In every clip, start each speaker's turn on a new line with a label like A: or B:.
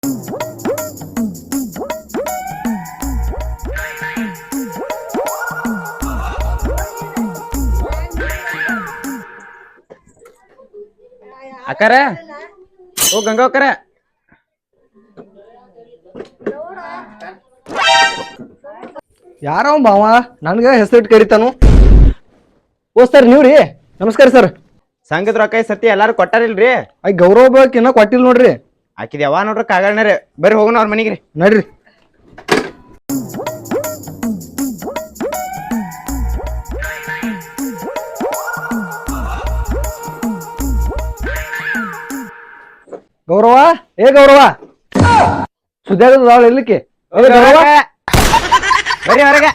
A: ಅಕ್ಕಾರ ಓ ಗಂಗಾ ಅಕ್ಕಾರ
B: ಯಾರವ ಮಾವ ನನ್ಗ ಹೆಸರಿಟ್ಟು ಕರಿತಾನು. ಓ ಸರ್ ನೀವ್ರಿ? ನಮಸ್ಕಾರ ಸರ್.
A: ಸಂಘದ ರೊಕ್ಕ ಸತಿ ಎಲ್ಲಾರು ಕೊಟ್ಟಾರಿಲ್ರಿ?
B: ಐ ಗೌರವ ಬೇಕ್ ಇನ್ನ ಕೊಟ್ಟಿಲ್ ನೋಡ್ರಿ.
A: ಆಕಿದ ಯಾವ ನೋಡ್ರಿ ಕಾಗಳ್ನಾರ ಬರ್ರಿ ಹೋಗೋಣ ಅವ್ರ ಮನಿಗ್ರಿ.
B: ನಡ್ರಿ. ಗೌರವ ಏ ಗೌರವ ಸುದ್ಯಾಗದ ಎಲ್ಲಿಕ್ಕೆ ಗೌರವ
A: ಬರ್ರಿ ಹೊರಗೆ.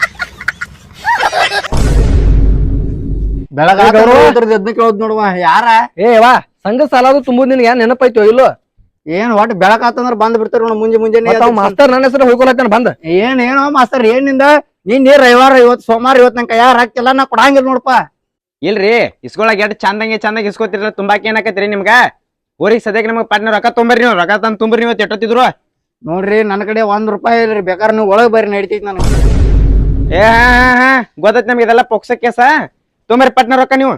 C: ಬೆಳಗ ಕೇಳೋದ್ ನೋಡುವ ಯಾರ
B: ಏ ವಾ ಸಂಘ ಸಾಲದು ತುಂಬುದ್ ನಿನ್ಗೆ ಏನ್ ನೆನಪಾಯ್ತು ಇಲ್ಲೋ?
C: ಏನ್ ಒಟ್ಟು ಬೆಳಕ್ ಆತಂದ್ರ ಬಂದ್ ಬಿಡ್ತಾರ ನೋಡ ಮುಂಜಾನೆ
B: ಮಾಸ್ತರ್ ನನ್ನ ಹೆಸರು ಹೋಗ್ಕೊಳತ್ತಾನ ಬಂದ.
C: ಏನೋ ಮಾಸ್ತರ್ ಏನಿಂದ ನೀನ್ ರವಿವಾರ ಇವತ್ ಸೋಮವಾರ ಇವತ್ ನಂಗೆ ಯಾರು ಹಾಕ್ತಿಲ್ಲ ನಾ ಕೊಡಂಗಿಲ್ಲ ನೋಡಪ್ಪ.
A: ಇಲ್ರಿ ಇಸ್ಕೊಳಕ್ ಎಷ್ಟ್ ಚಂದಂಗೆ ಇಸ್ಕೊತಿರಲ್ಲ ತುಂಬಾಕ್ ಏನಾಕತ್ರಿ ನಿಮ್ಗ? ಊರಿಗೆ ಸದ್ಯಕ್ಕೆ ನಮಗ್ ಪಟ್ನ ರೊಕ್ಕ ತೊಂಬರ್ರಿ, ನೀವು ರೊಕ್ಕ ತಂದ್ ತುಂಬ್ರಿ. ನೀವು ಎಟ್ಟೊತ್ತಿದ್ರು
C: ನೋಡ್ರಿ ನನ್ನ ಕಡೆ ₹1 ಇಲ್ರಿ, ಬೇಕಾದ್ರೆ ನೀವು ಒಳಗ್ ಬರ್ರಿ ನಡಿತೈತಿ ನನಗೆ.
A: ಏ ಗೊತ್ತೈತಿ ನಮ್ಗೆ ಇದೆಲ್ಲ ಪೊಕ್ಸ ಕೇಸ. ತೊಂಬರಿ ಪಟ್ನ ರೊಕ್ಕ ನೀವು.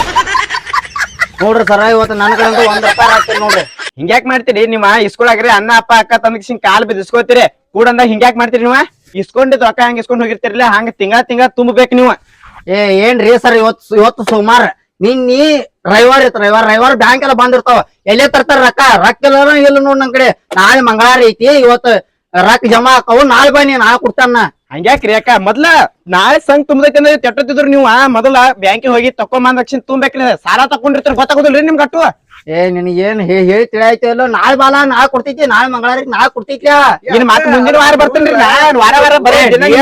C: ನೋಡ್ರಿ ಸರ ಇವತ್ತು ನನ್ನ ಕಡೆ ₹1 ಹಾಕ್ತೀರಿ ನೋಡ್ರಿ.
A: ಹಿಂಗ್ಯಾಕ್ ಮಾಡ್ತೀರಿ ನೀವ? ಇಸ್ಕೊಳಾಗ್ರಿ ಅನ್ನ ಅಪ್ಪ ಅಕ್ಕ ತಂದ್ ಕಾಲ್ ಬಿದ್ದು ಇಸ್ಕೊತೀರಿ ಕೂಡಂದ ಹಿಂಗ್ಯಾಕ್ ಮಾಡ್ತೀರಿ ನೀವ? ಇಸ್ಕೊಂಡಿದ್ ರೊಕ್ಕ ಹಂಗ ಇಸ್ಕೊಂಡ್ ಹೋಗಿರ್ತಿರ್ಲಿ ಹಂಗ ತಿಂಗಳ ತುಂಬಬೇಕು ನೀವು.
C: ಏನ್ರಿ ಸರ್ ಇವತ್ತು ಸೋಮವಾರ ನಿನ್ನಿ ರವಿವಾರ ಇತ್ತು. ರವಿವಾರ ಬ್ಯಾಂಕ್ ಎಲ್ಲ ಬಂದಿರ್ತಾವ, ಎಲ್ಲೇ ತರ್ತಾರ ರೊಕ್ಕ ಇಲ್ಲ ನೋಡ್ ನನ್ ಕಡೆ. ನಾಳೆ ಮಂಗಳವಾರ ಐತಿ, ಇವತ್ತು ರೊಕ್ಕ ಜಮಾ ಆಕಾವು, ನಾಳೆ ಬನ್ನಿ ನಾಳೆ ಕೊಡ್ತಾನ.
A: ಹಂಗ್ಯಾಕ್ರಿ ಅಕ್ಕ? ಮೊದ್ಲ ನಾಳೆ ಸಂಘ ತುಂಬದೈತಿ ಅಂದ್ರೆ ತೆಟ್ಟತ್ತಿದ್ರು ನೀವು ಮೊದಲ ಬ್ಯಾಂಕಿಗೆ ಹೋಗಿ ತಕೊಂಬಂದ ತಕ್ಷಣ ತುಂಬೇಕ್ರಿ. ಸಾಲ ತಕೊಂಡಿರ್ತಾರ ಗೊತ್ತಾಗೋದಿಲ್ರಿ ನಿಮ್ಗೆ ಅಟ್ಟು?
C: ನಿನಗೇನ್ ಹೇಳಿ ತಿಳಿಯಾಯ್ತು ಇಲ್ಲ? ನಾಳೆ ಬಾಲ ನಾಳೆ ಕೊಡ್ತೈತಿ, ನಾಳೆ ಮಂಗಳವಾರಕ್ಕೆ ನಾಳೆ ಕೊಡ್ತೈತಿ.
A: ಇನ್ ಮತ್ತೆ ಮುಂದಿನ ವಾರ ಬರ್ತೇನ್ರಿ ವಾರ ಬರೀ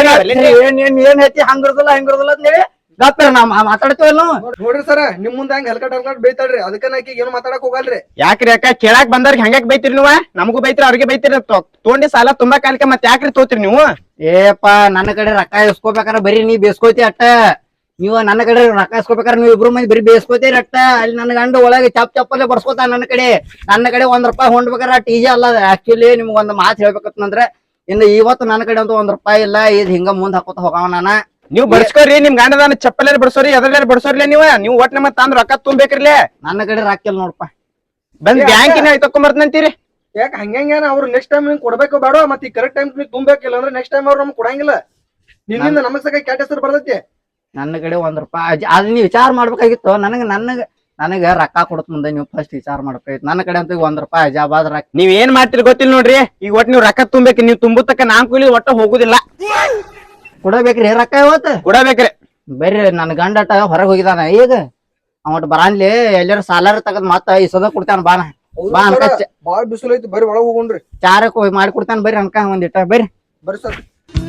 C: ಏನ್ ಐತಿ ಹಂಗಿರುದಿಲ್ಲ ಅಂತ ಹೇಳಿ ಗಪ್ಪ ನಾ ಮಾತಾಡ್ತೇವಲ್ಲ.
B: ನೋಡ್ರಿ ಸರ ನಿಮ್ ಮುಂದೆ ಹಂಗ ಹಲ್ಕಟ್ ಬೈತಾಳ್ರಿ, ಅದಕ್ಕ ನಾಕಿ ಏನು ಮಾತಾಡಕ್ ಹೋಗಲ್ರಿ.
A: ಯಾಕ್ರಿ ಅಕ್ಕ? ಕೇಳಾಕ್ ಬಂದವ್ರಿಗೆ ಹಂಗ್ಯಾಕ್ ಬೈತಿರಿ ನೀವು? ನಮಗೂ ಬೈತಿರಿ ಅವ್ರಿಗೆ ಬೈತಿರಿ. ತೊಗೊಂಡಿ ಸಾಲ ತುಂಬಾ ಕಾಲಕ್ಕೆ ಮತ್ತೆ ಯಾಕ್ರಿ ತೋತಿರಿ ನೀವು?
C: ಏಪಾ ನನ್ನ ಕಡೆ ರೊಕ್ಕ ಇಸ್ಕೋಬೇಕಾರ ಬರೀ ನೀ ಬೇಸ್ಕೋತಿ ಅಟ್ಟ. ನೀವು ನನ್ನ ಕಡೆ ರೊಕ್ಕ ಇಸ್ಕೋಬೇಕಾರ ನೀವು ಇಬ್ರು ಮಂದಿ ಬರೀ ಬೇಸ್ಕೋತೀರಿ ಅಟ್ಟ. ಅಲ್ಲಿ ನನ್ನ ಗಂಡು ಒಳಗೆ ಚಪ್ಪಲ್ಲೇ ಬರ್ಸ್ಕೋತ ನನ್ನ ಕಡೆ ₹1 ಹೊಂಡ್ಬೇಕಾರ ಟೀಜೆ ಅಲ್ಲ. ಆಕ್ಚುಲಿ ನಿಮ್ಗೆ ಒಂದು ಮಾತು ಹೇಳ್ಬೇಕಂದ್ರೆ ಇನ್ನು ಇವತ್ತು ನನ್ನ ಕಡೆ ಅಂತೂ ₹1 ಇಲ್ಲ. ಇದು ಹಿಂಗ ಮುಂದ್ ಹಾಕೋತ ಹೋಗವ ನಾನ.
A: ನೀವು ಬಡ್ಸ್ಕೋರಿ, ನಿಮ್ ಗಂಡದಾನ ಚಪ್ಪಲಲ್ಲಿ ಬಡ್ಸೋರಿ, ಎದ್ರಲ್ಲಿ ಬಡ್ಸೋರ್ಲೆ ನೀವು ಒಟ್ ನಮ್ಮ ತಂದ್ ರೊಕ್ಕ ತುಂಬೇಕ್ರಿಲೆ.
C: ನನ್ನ ಕಡೆ ರೊಕ್ಕ ಇಲ್ಲ ನೋಡಪ್ಪ.
A: ಬಂದ್ ಬ್ಯಾಂಕಿನ ತಕೊಂಬರ್ತಂತೀರಿ.
B: ಯಾಕ ಹಂಗೇನ? ಅವ್ರು ನೆಕ್ಸ್ಟ್ ಟೈಮ್ ನಿಮ್ಗೆ ಕೊಡ್ಬೇಕು ಬೇಡ, ಮತ್ತೆ ಕರೆಕ್ಟ್ ಟೈಮ್ ನೀವು ತುಂಬೇಕಿಲ್ಲ ಅಂದ್ರೆ ನೆಕ್ಸ್ಟ್ ಟೈಮ್ ಅವ್ರು ನಮ್ಗೆ ಕೊಡಂಗಿಲ್ಲ. ನಿನ್ನಿಂದ ನಮಗ್ ಸಕ ಕ್ಯಾಟ್ ಹೆಸರು ಬರ್ತೈತಿ.
C: ನನ್ನ ಕಡೆ ₹1 ಅದ್ ನೀವು ವಿಚಾರ ಮಾಡ್ಬೇಕಾಗಿತ್ತು. ನನಗ ರೊಕ್ಕ ಕೊಡತ್ ಮುಂದೆ ನೀವು ಫಸ್ಟ್ ವಿಚಾರ ಮಾಡ್ಬೇಕಾಗಿತ್ತು. ನನ್ನ ಕಡೆ ಅಂತ ₹1 ಅಜಾಬಾದ್ ರೊಕ್ಕ.
A: ನೀವ್ ಏನ್ ಮಾಡ್ತೀರಿ ಗೊತ್ತಿಲ್ಲ ನೋಡ್ರಿ. ಈಗ ಒಟ್ ನೀವ್ ರೊಕ್ಕ ತುಂಬೇಕು, ನೀವ್ ತುಂಬುತ್ತಕ್ಕ ನಾನ್ ಕೂಲಿ ಒಟ್ಟ ಹೋಗುದಿಲ್ಲ.
C: ಕೊಡಬೇಕ್ರಿ ರೊಕ್ಕ ಇವತ್ತು
A: ಕೊಡಬೇಕ್ರಿ.
C: ಬರ್ರಿ ನನ್ನ ಗಂಡಟ ಹೊರಗೆ ಹೋಗಿದಾನ. ಈಗ ಅವಟ್ ಬರಾನ್ಲಿ ಎಲ್ಲಾರು ಸಾಲಾರ ತಗದ್ ಮತ್ತ ಇಸದ ಕೊಡ್ತಾನ. ಬಾನ ಬಾ ಅನ್ಕ
B: ಬಾಳ ಬಿಸಿಲು ಐತಿ, ಬರ್ರಿ ಒಳಗ್ ಹೋಗೋಣ್ರಿ.
C: ಚಾರಕ್ ಹೋಗಿ ಮಾಡಿ ಕೊಡ್ತಾನ. ಬರ್ರಿ ಅನ್ಕ ಒಂದಿಟ್ಟ ಬರ್ರಿ.
B: ಬರ್ರಿ ಸರ್.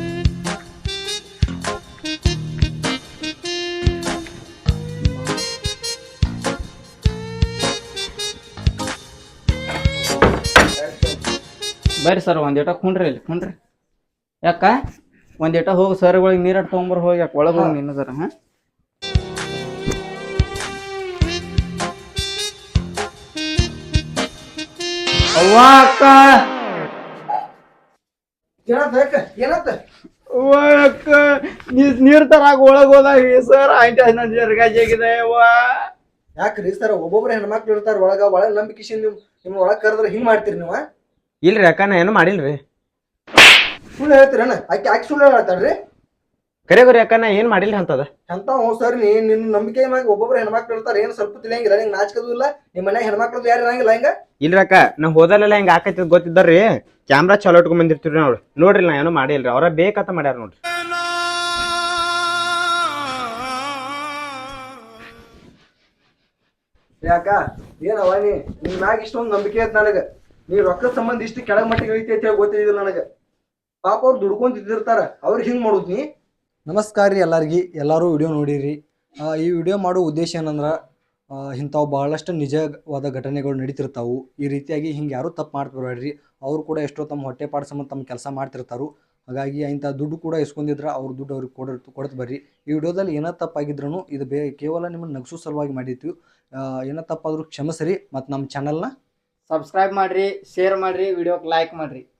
C: ಬರ್ರಿ ಸರ್ ಒಂದಿಟ ಕುಂಡ್ರಿ ಇಲ್ಲಿ ಕುಂಡ್ರಿ. ಯಾಕ ಒಂದಿಟ ಹೋಗಿ ಸರ್ಗಳಿಗೆ ನೀರ ತಗೊಂಬರ್ ಹೋಗಿ. ಯಾಕೆ ಒಳಗೆ ಹೋಗಿ ನಿನ್ನ ಸರ್? ಅವ್ವ ಅಕ್ಕ
B: ಏನತ್ತ
C: ಅಕ್ಕ ನೀರ್ ತರಾಗ ಒಳಗ್ ಹೋದಾಗ ಸರ್ ಆಗಿದೆ.
B: ಯಾಕ್ರಿ ಸರ್? ಒಬ್ಬೊಬ್ರು ಹೆಣ್ಮಕ್ಳು ಇರ್ತಾರ ಒಳಗ ನಂಬಿಕೆಶಿಂದ ನಿಮ್ ಒಳಗ್ ಕರೆದ್ರೆ ಹಿಂಗ್ ಮಾಡ್ತೀರಿ ನೀವು?
A: ಇಲ್ರಿ ಅಕ್ಕ ನಾ ಏನು ಮಾಡಿಲ್ರಿ.
B: ಸುಳ್ಳು ಹೇಳ್ತೀರಣ್ಣ? ಆಕಿ ಸುಳ್ಳು ಹೇಳ್ತಾಳ್ರಿ.
A: ಕರೆ ಅಕ್ಕ ನಾ ಏನ್ ಮಾಡಿಲ್ರಿ ಅಂತದ.
B: ಅಂತ ಸರ್ ನಿನ್ ನಂಬಿಕೆ ಮ್ಯಾಗ ಒಬ್ಬೊಬ್ರು ಹೆಣ್ಮಕ್ಳು ಇರ್ತಾರ, ಏನ್ ಸ್ವಲ್ಪ ತಿಳಿಯಂಗಿಲ್ಲ, ನಿಂಗೆ ನಾಚಿಕದು ಇಲ್ಲ. ನಿಮ್ ಮನ್ಯಾಗ ಹೆಣ್ಮಕ್ಳದು ಯಾರು ಇರಂಗಿಲ್ಲ ಹಿಂಗ?
A: ಇಲ್ರಿ ಅಕ್ಕ ನಾ ಹೋದಲ್ಲೆಲ್ಲ ಹಿಂಗ ಆಕೈತಿ ಗೊತ್ತಿದ್ದಾರ್ರಿ. ಕ್ಯಾಮ್ರಾ ಚಲೋ ಇಟ್ಕೊಂಡ್ ಬಂದಿರ್ತೀವ್ರಿ ನಾವು. ನೋಡ್ರಿ ನಾ ಏನೋ ಮಾಡಿಲ್ರಿ, ಅವ್ರ ಬೇಕಂತ ಮಾಡ್ಯಾರ ನೋಡ್ರಿ.
B: ಯಾಕ ಏನವ ನಿನ್ ಮ್ಯಾಗ ಇಷ್ಟೊಂದು ನಂಬಿಕೆ ಐತ್ ನನಗ. ನೀ ರೊಕ್ಕದ ಸಂಬಂಧ ಇಷ್ಟು ಕೆಳಗ್ ಮಟ್ಟಿಗೆ ಐತಿ ಅಂತ ಹೇಳಿ ಗೊತ್ತಿದ್ದಿಲ್ಲ ನನಗ. ಪಾಪ ಅವ್ರು ದುಡ್ಕೊಂತಿರ್ತಾರ, ಅವ್ರಿಗೆ ಹಿಂಗ್ ಮಾಡುದ್ ನೀ? ನಮಸ್ಕಾರ ರೀ ಎಲ್ಲಾರ್ಗಿ. ಎಲ್ಲರೂ ವಿಡಿಯೋ ನೋಡಿರಿ. ಈ ವಿಡಿಯೋ ಮಾಡೋ ಉದ್ದೇಶ ಏನಂದ್ರೆ ಇಂಥವು ಬಹಳಷ್ಟು ನಿಜವಾದ ಘಟನೆಗಳು ನಡೀತಿರ್ತಾವು. ಈ ರೀತಿಯಾಗಿ ಹಿಂಗೆ ಯಾರೂ ತಪ್ಪು ಮಾಡ್ತಿರ್ಬೇಡ್ರಿ. ಅವರು ಕೂಡ ಎಷ್ಟೋ ತಮ್ಮ ಹೊಟ್ಟೆ ಪಾಡು ಸಂಬಂಧ ತಮ್ಮ ಕೆಲಸ ಮಾಡ್ತಿರ್ತಾರು. ಹಾಗಾಗಿ ಇಂಥ ದುಡ್ಡು ಕೂಡ ಇಸ್ಕೊಂಡಿದ್ರೆ ಅವ್ರ ದುಡ್ಡು ಅವ್ರಿಗೆ ಕೊಡ್ತು ಬರ್ರಿ. ಈ ವಿಡಿಯೋದಲ್ಲಿ ಏನೋ ತಪ್ಪಾಗಿದ್ರೂ ಇದು ಕೇವಲ ನಿಮ್ಮನ್ನು ನಗಿಸೋ ಸಲುವಾಗಿ ಮಾಡಿರ್ತೀವಿ. ಏನೋ ತಪ್ಪಾದ್ರೂ ಕ್ಷಮಿಸ್ರಿ ಮತ್ತು ನಮ್ಮ ಚಾನಲ್ನ
C: ಸಬ್ಸ್ಕ್ರೈಬ್ ಮಾಡ್ರಿ, ಶೇರ್ ಮಾಡ್ರಿ, ವಿಡಿಯೋಕ್ ಲೈಕ್ ಮಾಡ್ರಿ.